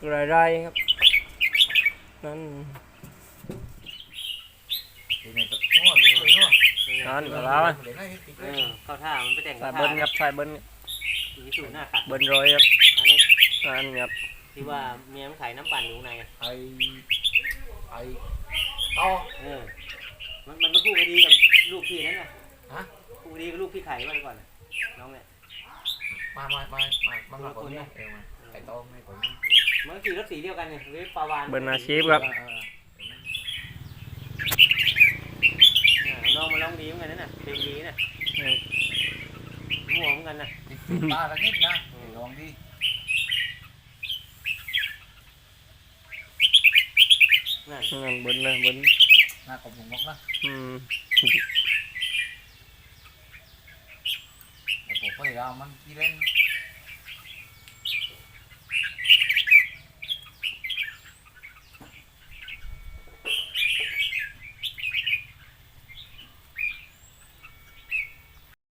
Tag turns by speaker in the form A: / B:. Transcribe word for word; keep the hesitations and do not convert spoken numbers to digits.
A: รายๆครับนั่นนั่นก็แล้ว
B: เข้าท่ามันไปแต่ง
A: สายเบิ้ลครับสายเบิ้ล
B: วิสูหน้าขัด
A: เบิ้ลร้อยครับ
B: อันนี้
A: นั่นครับ
B: ที่ว่าเมียมันขายน้ำปั่นอยู่ใน
C: ไอไอต่อ
B: เออมันมันเป็นคู่คดีกับลูกพี่นั่นน่ะ
C: ฮะ
B: คู่คดีกับลูกพี่ไข่มาก่อนน้องเนี่ย
C: มามามามามามาก่อนเนี่ยเออมาไก่ต้มให้ก่อน
B: มันขี่รถสีเดียวกันเนี่ยเวฟปาวาน
A: เบิ้ลอาชีพครับ
B: น้องมาลองดีเหมือนกันนั่นน่ะเพลงดีน่ะมั่วเหมือนกันน่ะ
C: ปลาละนิดนะลองดิ
B: นั่น
A: นั่นเบิ้ลเลยเบิ้ล
C: หน้ากลมหงอกนะ
A: อืม
C: แต่ผมพยายามมันกี่เล่น